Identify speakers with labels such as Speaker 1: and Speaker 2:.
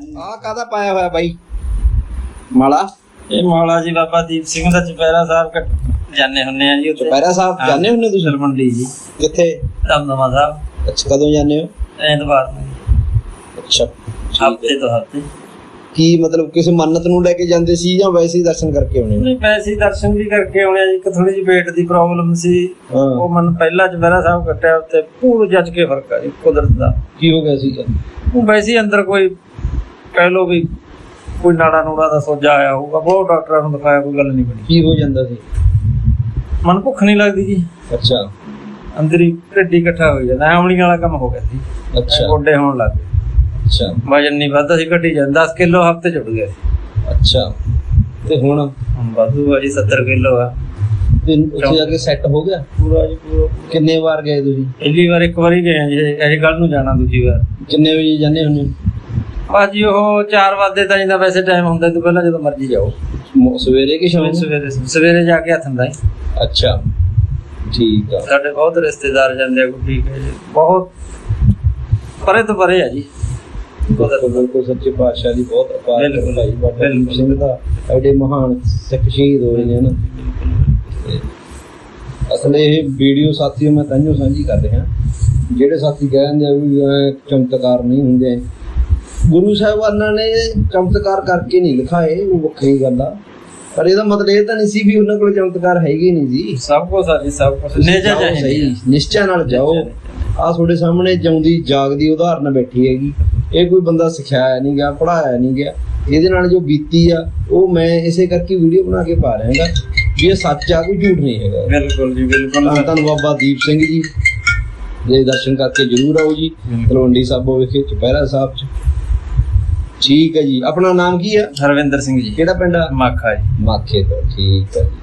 Speaker 1: ਆ ਕਾਹਦਾ ਪਾਇਆ ਹੋਇਆ ਬਾਈ ਮਾਲਾ?
Speaker 2: ਇਹ ਮਾਲਾ ਜੀ ਬਾਬਾ ਦੀਪ ਸਿੰਘ ਦਾ ਚੁਪਹਿਰਾ ਸਾਹਿਬ ਜਾਣੇ ਹੁੰਨੇ ਆ ਜੀ ਉੱਥੇ।
Speaker 1: ਚੁਪਹਿਰਾ ਸਾਹਿਬ ਜਾਂਦੇ ਹੁੰਦੇ ਤੁਸੀਂ?
Speaker 2: ਮੰਡੀ ਜੀ।
Speaker 1: ਕਿੱਥੇ?
Speaker 2: ਦਮਦਮਾ ਸਾਹਿਬ।
Speaker 1: ਅੱਛਾ, ਕਦੋਂ ਜਾਂਦੇ ਹੋ?
Speaker 2: ਐਤਵਾਰ ਨੂੰ।
Speaker 1: ਅੱਛਾ,
Speaker 2: ਹਫ਼ਤੇ ਤੋਂ ਹਫ਼ਤੇ।
Speaker 1: ਕੀ ਮਤਲਬ ਕਿਸੇ ਮੰਨਤ ਨੂੰ ਲੈ ਕੇ ਜਾਂਦੇ ਸੀ ਜਾਂ ਵੈਸੇ ਹੀ ਦਰਸ਼ਨ ਕਰਕੇ ਆਉਣੇ?
Speaker 2: ਨਹੀਂ, ਵੈਸੇ ਹੀ ਦਰਸ਼ਨ ਵੀ ਕਰਕੇ ਆਉਣੇ ਆ ਜੀ। ਇੱਕ ਥੋੜੀ ਜਿਹੀ ਪੇਟ ਦੀ ਪ੍ਰੋਬਲਮ ਸੀ, ਉਹ ਮਨ ਪਹਿਲਾਂ ਚੁਪਹਿਰਾ ਸਾਹਿਬ ਕੱਟਿਆ ਉੱਤੇ ਪੂਰ ਜੱਜ ਕੇ ਫਰਕ ਆ ਜੀ ਕੁਦਰਤ ਦਾ।
Speaker 1: ਕੀ ਹੋ ਗਿਆ ਸੀ?
Speaker 2: ਉਹ ਵੈਸੇ ਹੀ ਅੰਦਰ ਕੋਈ ਕਹਿ ਲੋ ਵੀ ਕੋਈ ਨਾੜਾ ਨੂੜਾ ਦਾ ਸੋਜਾ ਆਇਆ ਹੋਊਗਾ। ਬਹੁਤ ਡਾਕਟਰਾਂ ਨੂੰ ਦਿਖਾਇਆ, ਕੋਈ ਗੱਲ ਨਹੀਂ ਬਣੀ।
Speaker 1: ਕੀ ਹੋ ਜਾਂਦਾ ਸੀ?
Speaker 2: ਮਨ ਭੁੱਖ ਨਹੀਂ ਲੱਗਦੀ ਜੀ।
Speaker 1: ਅੱਛਾ,
Speaker 2: ਅੰਦਰ ਹੀ ਢਿੱਡ ਇਕੱਠਾ ਹੋ ਜਾਂਦਾ। ਆਮਲੀਆਂ ਵਾਲਾ ਕੰਮ ਹੋ ਗਿਆ ਸੀ।
Speaker 1: ਅੱਛਾ,
Speaker 2: ਗੋਡੇ ਹੋਣ ਲੱਗ ਗਏ।
Speaker 1: ਅੱਛਾ,
Speaker 2: ਵਜਨ ਨਹੀਂ ਵੱਧਦਾ ਸੀ, ਘਟੀ ਜਾਂਦਾ। 10 ਕਿਲੋ ਹਫ਼ਤੇ ਚ ਉੱਡ ਗਿਆ ਸੀ।
Speaker 1: ਅੱਛਾ, ਤੇ ਹੁਣ
Speaker 2: ਵਾਧੂ ਆ ਜੀ, 70 ਕਿਲੋ ਆ।
Speaker 1: ਤੇ ਉੱਥੇ ਜਾ ਕੇ ਸੈੱਟ ਹੋ ਗਿਆ
Speaker 2: ਪੂਰਾ ਜੀ ਪੂਰਾ।
Speaker 1: ਕਿੰਨੇ ਵਾਰ ਗਏ ਤੁਸੀਂ?
Speaker 2: ਪਹਿਲੀ ਵਾਰ ਇੱਕ ਵਾਰੀ ਗਏ ਜੀ, ਇਹ ਕੱਲ ਨੂੰ ਜਾਣਾ ਦੂਜੀ ਵਾਰ।
Speaker 1: ਕਿੰਨੇ ਵਜੇ ਜਾਂਦੇ ਹੁੰਦੇ?
Speaker 2: ਭਾਜੀ ਉਹ 4 ਵਜੇ ਤਾਈਂ ਦਾ ਵੈਸੇ ਟਾਈਮ ਹੁੰਦਾ, ਇਹ ਤੋਂ ਪਹਿਲਾਂ ਜਦੋਂ ਮਰਜ਼ੀ ਜਾਓ।
Speaker 1: ਸਵੇਰੇ ਕਿ ਸ਼ਾਮ?
Speaker 2: ਸਵੇਰੇ ਜਾ ਕੇ ਹੱਥ ਹੁੰਦਾ।
Speaker 1: ਅੱਛਾ, ਠੀਕ ਆ।
Speaker 2: ਸਾਡੇ ਬਹੁਤ ਰਿਸ਼ਤੇਦਾਰ ਜਾਂਦੇ ਆ। ਠੀਕ ਹੈ ਜੀ, ਬਹੁਤ ਪਰੇ ਤੋਂ ਪਰੇ ਆ ਜੀ।
Speaker 1: ਬਿਲਕੁਲ ਸੱਚੇ ਪਾਤਸ਼ਾਹ ਦੀ ਬਹੁਤ ਅਪਾਰ ਭਾਈ ਬਾਬਾ ਦੀਪ ਸਿੰਘ ਦਾ। ਐਡੇ ਮਹਾਨ ਸਿੱਖ ਸ਼ਹੀਦ ਹੋਏ ਨੇ ਨਾ। ਅਸਲ ਇਹ ਵੀਡੀਓ ਸਾਥੀਓ ਮੈਂ ਤਾਂਹੀਓ ਸਾਂਝੀ ਕਰ ਰਿਹਾ, ਜਿਹੜੇ ਸਾਥੀ ਕਹਿੰਦੇ ਆ ਵੀ ਚਮਤਕਾਰ ਨਹੀਂ ਹੁੰਦੇ। ਗੁਰੂ ਸਾਹਿਬਾਨਾਂ ਨੇ ਚਮਤਕਾਰ ਕਰਕੇ ਨਹੀਂ ਲਿਖਾਏ, ਉਹ ਵੱਖਰੀ ਗੱਲ ਆ। ਪਰ ਇਹਦਾ ਮਤਲਬ ਇਹ ਤਾਂ ਨਹੀਂ ਸੀ ਵੀ ਉਹਨਾਂ ਕੋਲ ਚਮਤਕਾਰ ਹੈਗੇ ਨਹੀਂ ਜੀ।
Speaker 2: ਸਭ ਕੁਛ ਆ ਜੀ, ਸਭ ਕੁਛ
Speaker 1: ਸਹੀ ਨਿਸ਼ਚੈ ਨਾਲ ਜਾਓ। ਆ ਤੁਹਾਡੇ ਸਾਹਮਣੇ ਜਿਉਂਦੀ ਜਾਗਦੀ ਉਦਾਹਰਨ ਬੈਠੀ ਹੈਗੀ। ਇਹ ਕੋਈ ਬੰਦਾ ਸਿਖਾਇਆ ਨਹੀਂ ਗਿਆ, ਪੜਾਇਆ ਨਹੀਂ ਗਿਆ। ਇਹਦੇ ਨਾਲ ਜੋ ਬੀਤੀ ਆ ਉਹ ਮੈਂ ਇਸੇ ਕਰਕੇ ਵੀਡੀਓ ਬਣਾ ਕੇ ਪਾ ਰਿਹਾ ਵੀ ਇਹ ਸੱਚ ਆ, ਕੋਈ ਝੂਠ ਨਹੀਂ ਹੈਗਾ।
Speaker 2: ਬਿਲਕੁਲ ਜੀ, ਬਿਲਕੁਲ।
Speaker 1: ਧੰਨ ਬਾਬਾ ਦੀਪ ਸਿੰਘ ਜੀ ਦੇ ਦਰਸ਼ਨ ਕਰਕੇ ਜ਼ਰੂਰ ਆਓ ਜੀ ਤਲਵੰਡੀ ਸਾਬੋ ਵਿਖੇ ਚੁਪਹਿਰਾ ਸਾਹਿਬ ਚ। ਠੀਕ ਹੈ ਜੀ। ਆਪਣਾ ਨਾਮ ਕੀ ਆ?
Speaker 2: ਹਰਵਿੰਦਰ ਸਿੰਘ ਜੀ।
Speaker 1: ਕਿਹੜਾ ਪਿੰਡ ਆ?
Speaker 2: ਮਾਖਾ ਜੀ।
Speaker 1: ਮਾਖੇ ਤੋਂ। ਠੀਕ ਹੈ ਜੀ।